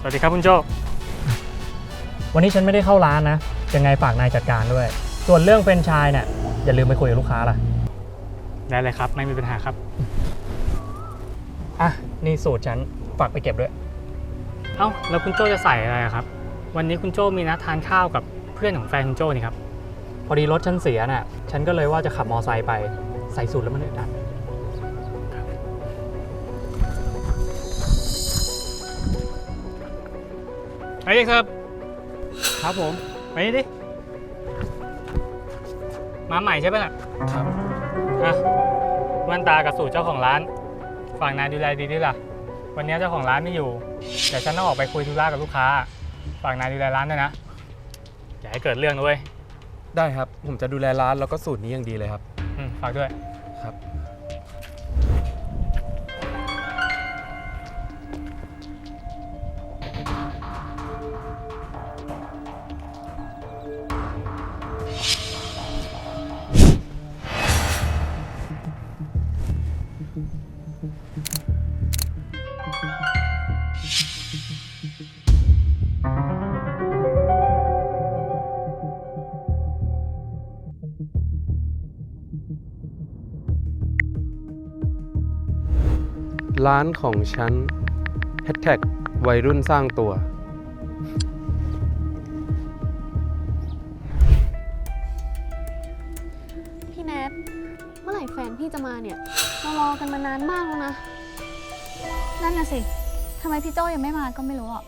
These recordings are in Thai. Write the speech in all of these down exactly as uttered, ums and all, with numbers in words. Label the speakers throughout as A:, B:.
A: วัสดีครับคุณโจ
B: วันนี้ฉันไม่ได้เข้าร้านนะยังไงฝากนายจัดการด้วยส่วนเรื่องแฟรนไชส์เนี่ยอย่าลืมไปคุยกับลูกค้าล่ะ
A: ได้เลยครับไม่มีปัญหาครับ
B: อ่ะนี่สูตรฉันฝากไปเก็บด้วย
A: เอ้าแล้วคุณโจจะใส่อะไรครับวันนี้คุณโจมีนัดทานข้าวกับเพื่อนของแฟนคุณโจนี่ครับ
B: พอดีรถฉันเสียน่ะฉันก็เลยว่าจะขับมอไซค์ไปใส่สูตรแล้วมันอึดอัด
A: ไปดิครับ
B: ครับผม
A: ไปดิมาใหม่ใช่ไหมล่ะ
B: ครับ
A: อ่ะแว่นตากับสูตรเจ้าของร้านฝากนายดูแลดีด้วยล่ะวันนี้เจ้าของร้านไม่อยู่เดี๋ยวฉันต้องออกไปคุยธุระกับลูกค้าฝากนายดูแลร้านด้วยนะอย่าให้เกิดเรื่องด้วย
C: ได้ครับผมจะดูแลร้านแล้วก็สูตรนี้อย่างดีเลยครับ
A: อืมฝากด้วย
C: ครับร้านของฉันแฮชแท็กวัยรุ่นสร้างตัว
D: พี่แนทเมื่อไหร่แฟนพี่จะมาเนี่ยเรารอกันมานานมากแล้วนะ
E: นั่นน่ะสิทำไมพี่โจ้ยังไม่มาก็ไม่รู้อ่ะ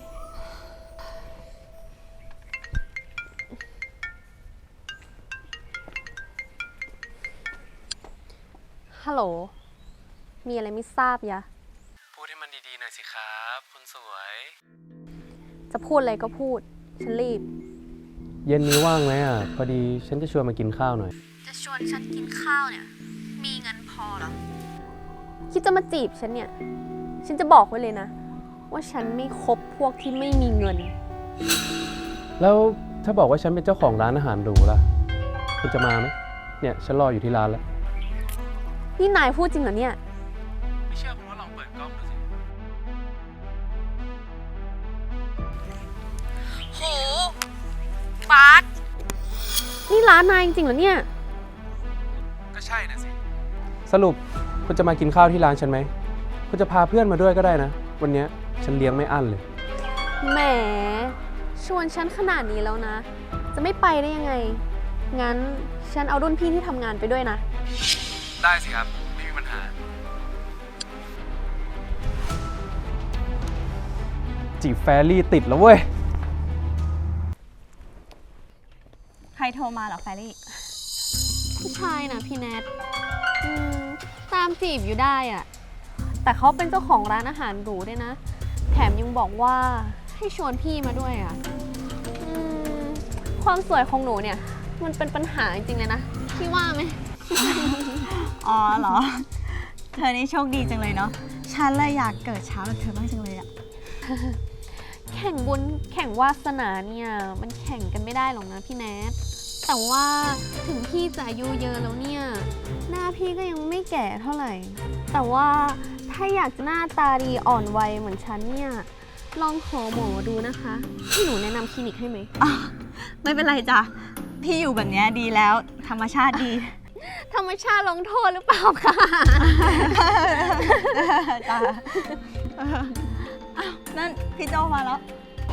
D: ฮัลโหลมีอะไรไม่ทราบยะ
C: พูดให้มันดีๆหน่อยสิครับคุณสวย
D: จะพูดอะไรก็พูดฉันรีบ
C: เย็นนี้ว่างไหมอ่ะพอดีฉันจะชวนมากินข้าวหน่อย
D: จะชวนฉันกินข้าวเนี่ยมีเงินพอหรอคิดจะมาจีบฉันเนี่ยฉันจะบอกไว้เลยนะว่าฉันไม่คบพวกที่ไม่มีเงิน
C: แล้วถ้าบอกว่าฉันเป็นเจ้าของร้านอาหารหรูล่ะคุณจะมาไหมเนี่ยฉันรออยู่ที่ร้านแล้ว
D: นี่นายพูดจริงเหรอเนี่ย
C: ไม่เชื่อคุณว่าลองเปิดกล้องดูสิ
D: โหฟาสนี่ร้านนายจริงๆเหรอเนี่ย
C: ก็ใช่น่ะสิสรุปคุณจะมากินข้าวที่ร้านฉันไหมคุณจะพาเพื่อนมาด้วยก็ได้นะวันนี้ฉันเลี้ยงไม่อั้นเลย
D: แหมชวนฉันขนาดนี้แล้วนะจะไม่ไปได้ยังไงงั้นฉันเอารุ่นพี่ที่ทำงานไปด้วยนะ
C: ได้สิครับไม่มีปัญหาจีบแฟรี่ติดแล้วเว้ย
E: ใครโทรมาเหรอแฟรี่
D: ผู้ชายนะพี่แนทอืมตามจีบอยู่ได้อะแต่เขาเป็นเจ้าของร้านอาหารหรูด้วยนะแถมยังบอกว่าให้ชวนพี่มาด้วยอ่ะอืมความสวยของหนูเนี่ยมันเป็นปัญหาจริงๆเลยนะพี่ว่าไหม
E: อ๋อเหรอเธอนี่โชคดีจังเลยเนาะฉันเลยอยากเกิดเช้าแบบเธอบ้างจังเลยอะ
D: แข่งบุญแข่งวาสนาเนี่ยมันแข่งกันไม่ได้หรอกนะพี่แนทแต่ว่าถึงพี่จะอายุเยอะแล้วเนี่ยหน้าพี่ก็ยังไม่แก่เท่าไหร่แต่ว่าถ้าอยากจะหน้าตาดีอ่อนวัยเหมือนฉันเนี่ยลองขอหมอดูนะคะที่หนูแนะนำคลินิกให้ไหม
E: ไม่เป็นไรจ้ะพี่อยู่แบบนี้ดีแล้วธรรมชาติดี
D: ธรรมชาติลงโทษหรือเปล่าคะ
E: จ้ะนั่นพี่โจมาแล้ว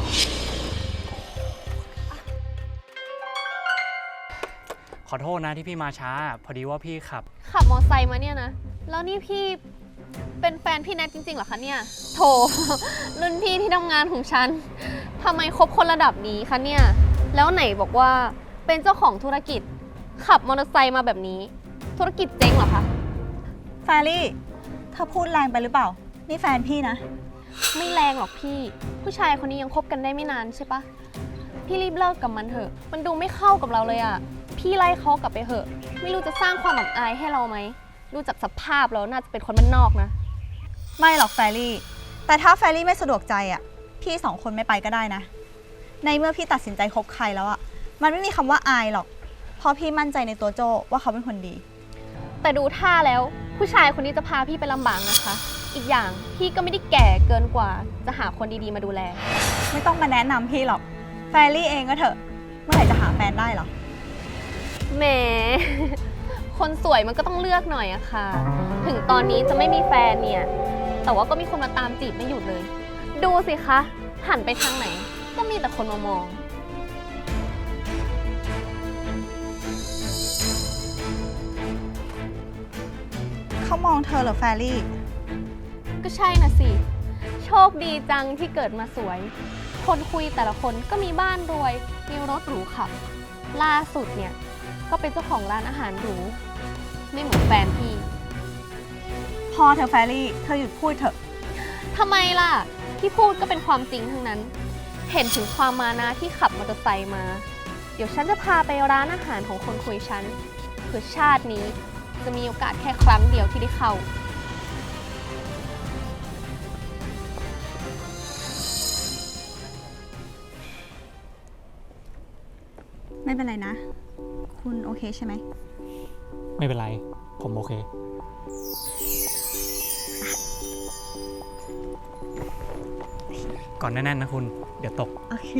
B: ขอโทษนะที่พี่มาช้าพอดีว่าพี่ขับ
D: ขับมอไซค์มาเนี่ยนะแล้วนี่พี่เป็นแฟนพี่แนทจริงๆเหรอคะเนี่ยโถรุ่นพี่ที่ทำงานของฉันทำไมคบคนระดับนี้คะเนี่ยแล้วไหนบอกว่าเป็นเจ้าของธุรกิจขับมอเตอร์ไซค์มาแบบนี้ธุรกิจเจ๊งเหรอคะ
E: แฟรี่เธอพูดแรงไปหรือเปล่านี่แฟนพี่นะ
D: ไม่แรงหรอกพี่ผู้ชายคนนี้ยังคบกันได้ไม่นานใช่ปะพี่รีบเลิกกับมันเถอะมันดูไม่เข้ากับเราเลยอะพี่ไล่เขากลับไปเถอะไม่รู้จะสร้างความอับอายให้เราไหมดูจากสภาพแล้วน่าจะเป็นคนบ้านนอกนะ
E: ไม่หรอกแฟรี่แต่ถ้าแฟรี่ไม่สะดวกใจอ่ะพี่สองคนไม่ไปก็ได้นะในเมื่อพี่ตัดสินใจคบใครแล้วอ่ะมันไม่มีคำว่าอายหรอกเพราะพี่มั่นใจในตัวโจว่าเขาเป็นคนดี
D: แต่ดูท่าแล้วผู้ชายคนนี้จะพาพี่ไปลำบากนะคะอีกอย่างพี่ก็ไม่ได้แก่เกินกว่าจะหาคนดีๆมาดูแล
E: ไม่ต้องมาแนะนำพี่หรอก แฟรี่เองก็เถอะ เมื่อไหร่จะหาแฟนได้เหรอ
D: แหม คนสวยมันก็ต้องเลือกหน่อยอะค่ะ ถึงตอนนี้จะไม่มีแฟนเนี่ย แต่ว่าก็มีคนมาตามจีบไม่หยุดเลย ดูสิคะ หันไปทางไหน ก็มีแต่คนมามอง
E: เขามองเธอเหรอแฟรี่
D: ก็ใช่น่ะสิ โชคดีจังที่เกิดมาสวย คนคุยแต่ละคนก็มีบ้านรวย มีรถหรูขับ ล่าสุดเนี่ย ก็เป็นเจ้าของร้านอาหารหรู ไม่เหมือนแฟนพี่
E: พอเธอแฟรี่ เธอหยุดพูดเถอะ
D: ทำไมล่ะ ที่พูดก็เป็นความจริงทั้งนั้น เห็นถึงความมานะที่ขับมอเตอร์ไซค์มา เดี๋ยวฉันจะพาไปร้านอาหารของคนคุยฉันเผื่อชาตินี้จะมีโอกาสแค่ครั้งเดียวที่ได้เข้า
E: ไม่เป็นไรนะ คุณโอเคใช่ไหม
B: ไม่เป็นไร ผมโอเค ก่อนแน่นๆนะคุณ เดี๋ยวตก
E: โอเค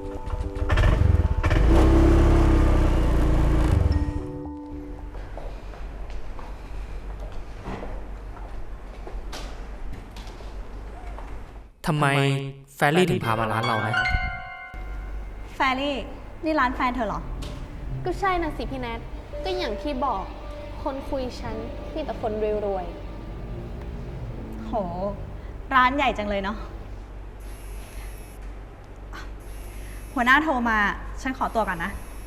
B: ทำไมแฟรี่ถึงพามาร้านเรานะ
E: แฟรี่ นี่ร้านแฟนเธอเหรอ
D: ก็ใช่นะสิพี่แนท ก็อย่างที่บอก คนคุยฉันมีแต่คนรวย
E: โห ร้านใหญ่จังเลยเนาะ หัวหน้าโทรมา ฉันขอตัวก่อนนะ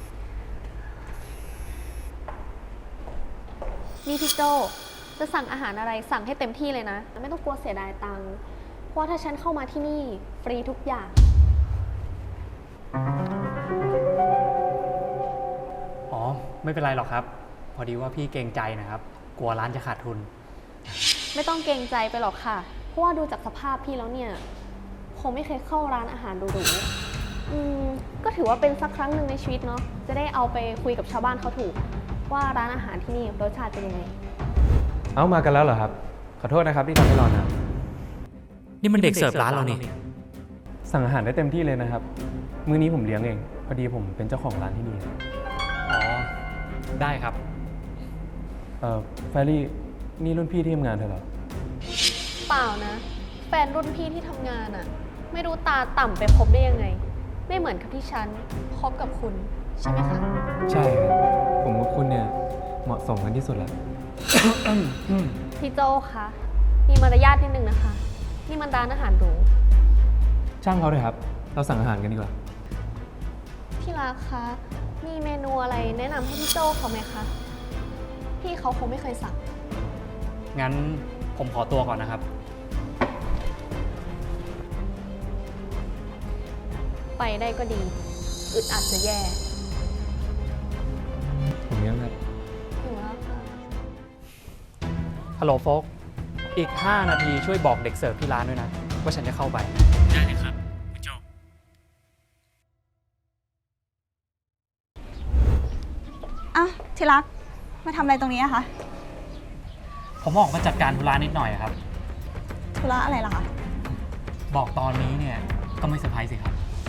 D: ๆนี่พี่โจจะสั่งอาหารอะไรสั่งให้เต็มที่เลยนะ ไม่ต้องกลัวเสียดายตังค์ เพราะว่าถ้าฉันเข้ามาที่นี่ฟรีทุกอย่าง
B: อ๋อ ไม่เป็นไรหรอกครับ พอดีว่าพี่เกรงใจนะครับ กลัวร้านจะขาดทุน
D: ไม่ต้องเกรงใจไปหรอกค่ะ เพราะว่าดูจากสภาพพี่แล้วเนี่ย คงไม่เคยเข้าร้านอาหารหรูๆอืมก็ถือว่าเป็นสักครั้งหนึ่งในชีวิตเนาะ จะได้เอาไปคุยกับชาวบ้านเขาถูก ว่าร้านอาหารที่นี่รสชาติเป็นยังไง
C: เอามากันแล้วเหรอครับ ขอโทษนะครับที่ทำให้รอนาน
B: นี่มันเด็กเสิร์ฟร้านเรานี่
C: สั่งอาหารได้เต็มที่เลยนะครับ มื้อนี้ผมเลี้ยงเอง พอดีผมเป็นเจ้าของร้านที่นี่
B: อ๋อ ได้ครับ
C: เอ่อแฟรี่ นี่รุ่นพี่ที่ทำงานเธอเหรอ
D: เปล่านะ แฟนรุ่นพี่ที่ทำงานอะไม่รู้ตาต่ำไปคบได้ยังไง ไม่เหมือนกับที่ฉันคบกับคุณ ใช่ไหมคะ
C: ใช่ครับ ผมกับคุณเนี่ยเหมาะสมกันที่สุดแล้ว
D: พี่โจคะมีมารยาทนิดนึงนะคะ นี่มันร้านอาหารหรู
C: ช่างเขาเลยครับ เราสั่งอาหารกันดีกว่า
D: พี่รักคะ มีเมนูอะไรแนะนำให้พี่โจเขาไหมคะ พี่เขาคงไม่เคยสั่ง
B: งั้นผมขอตัวก่อนนะครับ
D: ไปได้ก็ดี อึดอัดจะแย่
C: ผมเลี้ยงครับ
D: หิวแล้วค่ะ
B: ฮัลโหลโฟก อีก ห้า นาทีช่วยบอกเด็กเสิร์ฟที่ร้านด้วยนะ ว่าฉันจะเข้าไป ได้เลยครับคุณโจ
E: อ้าวที่รัก มาทำอะไรตรงนี้อะคะ
B: ผมออกมาจัดการธุระนิดหน่อยครับ
E: ธุระอะไรล่ะคะ
B: บอกตอนนี้เนี่ยก็ไม่เซอร์ไพรส์สิครับ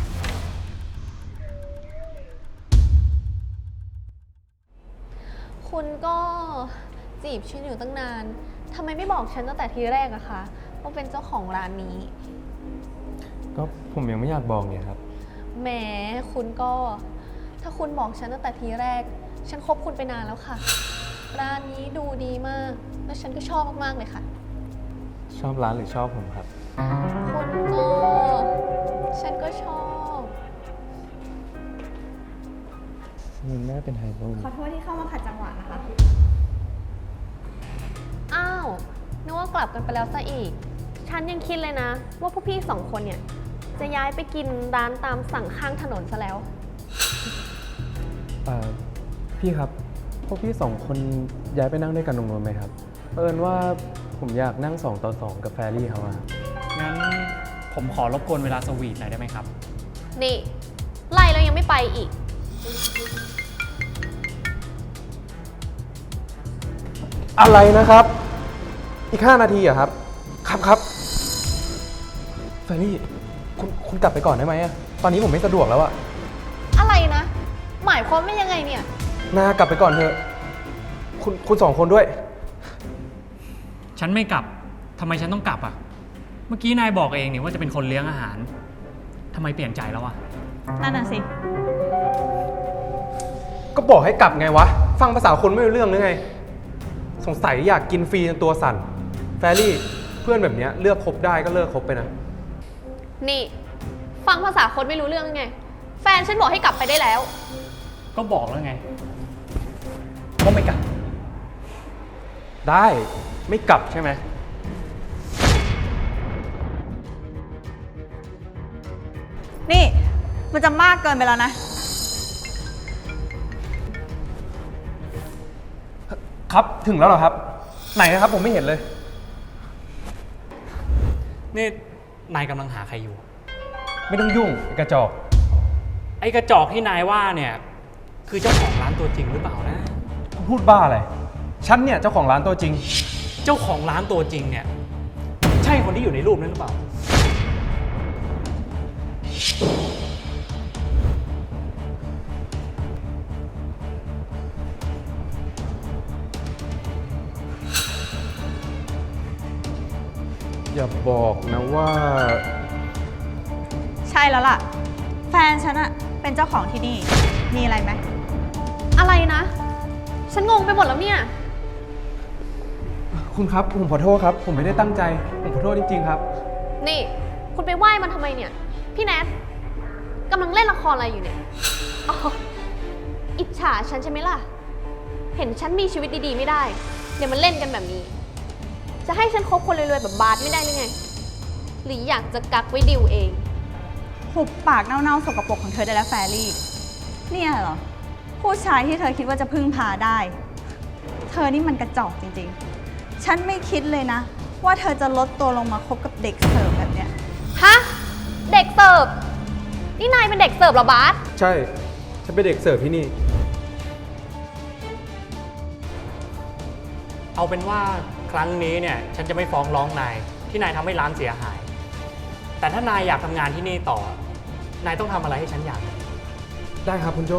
D: คุณก็จีบฉันอยู่ตั้งนาน ทำไมไม่บอกฉันตั้งแต่ทีแรกอะคะว่าเป็นเจ้าของร้านนี้
C: ก็ผมยังไม่อยากบอกเนี่ยครับ
D: แหมคุณก็ ถ้าคุณบอกฉันตั้งแต่ทีแรก ฉันคบคุณไปนานแล้วค่ะ ร้านนี้ดูดีมาก แล้วฉันก็ชอบมากๆเลยค่ะ
C: ชอบร้านหรือชอบผมครับ
D: คุณก็ ฉันก็ชอบ
C: มันน่าเป็นไฮโซ
E: ขอโทษที่เข้ามาขัดจังหวะนะคะ
D: อ้าวนึกว่ากลับกันไปแล้วซะอีก ฉันยังคิดเลยนะ ว่าพวกพี่สองคนเนี่ย จะย้ายไปกินร้านตามสั่งข้างถนนซะแล้ว
C: เอ่อพี่ครับ พวกพี่สองคนย้ายไปนั่งด้วยกันตรงนู้นไหมครับเอิญว่าผมอยากนั่งสองต่อสองกับแฟรี่เขาอะ
B: งั้นผมขอรบกวนเวลาสวีทหน่อยได้ไหมครับ
D: นี่ ไล่แล้วยังไม่ไปอีก
C: อะไรนะครับ อีกห้านาทีเหรอะครับครับครับแฟรี่คุณคุณกลับไปก่อนได้ไหมอะตอนนี้ผมไม่สะดวกแล้วอะ
D: อะไรนะ หมายความว่ายังไงเนี่ย
C: นากลับไปก่อนเถอะ คุณคุณสองคนด้วย
B: ฉันไม่กลับ ทำไมฉันต้องกลับอ่ะ เมื่อกี้นายบอกเองนี่ว่าจะเป็นคนเลี้ยงอาหาร ทำไมเปลี่ยนใจแล้วอ่ะ
E: นั่นน่ะสิ
C: ก็บอกให้กลับไงวะ ฟังภาษาคนไม่รู้เรื่องหรือไง สงสัยอยากกินฟรีจนตัวสั่น แฟรี่เพื่อนแบบเนี้ยเลือกคบได้ก็เลิกคบไปนะ
D: นี่ ฟังภาษาคนไม่รู้เรื่องไง แฟนฉันบอกให้กลับไปได้แล้ว
B: ก็บอกแล้วไงว่าไม่กลับ
C: ได้ไม่กลับใช่ไหม
E: นี่ มันจะมากเกินไปแล้วนะ
C: ครับถึงแล้วเหรอครับ ไหนนะครับผมไม่เห็นเลย
B: นี่นายกำลังหาใครอยู่
C: ไม่ต้องยุ่งไอ้กระจอก
B: ไอ้กระจอกที่นายว่าเนี่ย คือเจ้าของร้านตัวจริงหรือเปล่านะ
C: พูดบ้าอะไร ฉันเนี่ยเจ้าของร้านตัวจริง
B: เจ้าของร้านตัวจริงเนี่ย ใช่คนที่อยู่ในรูปนั้นหรือเปล่า
C: อย่าบอกนะว่า
E: ใช่แล้วล่ะ แฟนฉันอะเป็นเจ้าของที่นี่ มีอะไรไหม
D: อะไรนะ ฉันงงไปหมดแล้วเนี่ย
C: คุณครับผมขอโทษครับ ผมไม่ได้ตั้งใจ ผมขอโทษจริงๆครับ
D: นี่ คุณไปไหว้มันทำไมเนี่ย พี่แนทกำลังเล่นละครอะไรอยู่เนี่ย อ๋อ อิจฉาฉันใช่ไหมล่ะ เห็นฉันมีชีวิตดีๆไม่ได้ เดี๋ยวมันเล่นกันแบบนี้ จะให้ฉันคบคนรวยๆแบบบาสไม่ได้หรือไง หรืออยากจะกักไว้ดิวเอง
E: หุบปากเน่าๆสกปรกของเธอได้แล้วแฟรี่ เนี่ยเหรอ ผู้ชายที่เธอคิดว่าจะพึ่งพาได้ เธอนี่มันกระจอกจริงๆ ฉันไม่คิดเลยนะ ว่าเธอจะลดตัวลงมาคบกับเด็กเสิร์ฟแบบเนี้ย
D: ฮะ เด็กเสิร์ฟ นี่นายเป็นเด็กเสิร์ฟเหรอบาส
C: ใช่ ฉันเป็นเด็กเสิร์ฟที่นี่
B: เอาเป็นว่าครั้งนี้เนี่ยฉันจะไม่ฟ้องร้องนายที่นายทำให้ร้านเสียหาย แต่ถ้านายอยากทำงานที่นี่ต่อ นายต้องทำอะไรให้ฉันอยาก
C: ได้ครับคุณโจ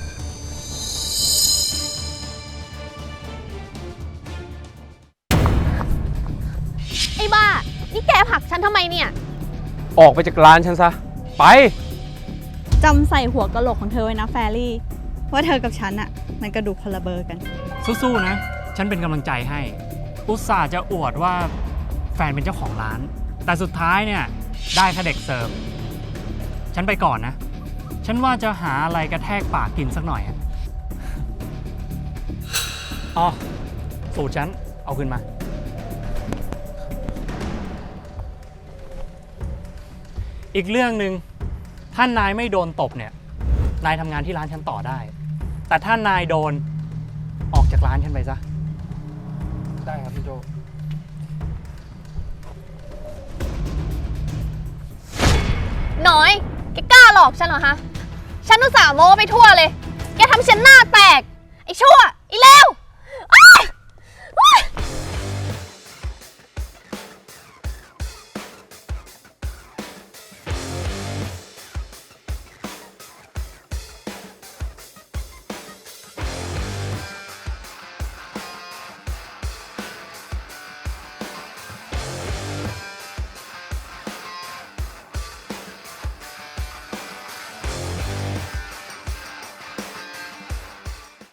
D: ไอ้บ้า นี่แกผลักฉันทำไมเนี่ย
C: ออกไปจากร้านฉันซะ ไป
E: จำใส่หัวกะโหลกของเธอไว้นะแฟรี่ ว่าเธอกับฉันอะมันกระดูกคนละเบอร์กัน
B: สู้ๆนะ ฉันเป็นกำลังใจให้ อุตส่าห์จะอวดว่าแฟนเป็นเจ้าของร้าน แต่สุดท้ายเนี่ยได้แค่เด็กเสิร์ฟ ฉันไปก่อนนะ ฉันว่าจะหาอะไรกระแทกปากกินสักหน่อยอะอ๋อ สูตรฉัน เอาขึ้นมา อีกเรื่องหนึ่งถ้านายไม่โดนตบเนี่ย นายทำงานที่ร้านฉันต่อได้ แต่ถ้านายโดนออกจากร้านฉันไปซะ
C: ได้ครับคุณโจ
D: น้อย แกกล้าหลอกฉันเหรอฮะ ฉันอุตส่าห์โม้ไปทั่วเลย แกทำฉันหน้าแตก ไอ้ชั่ว ไอ้เลว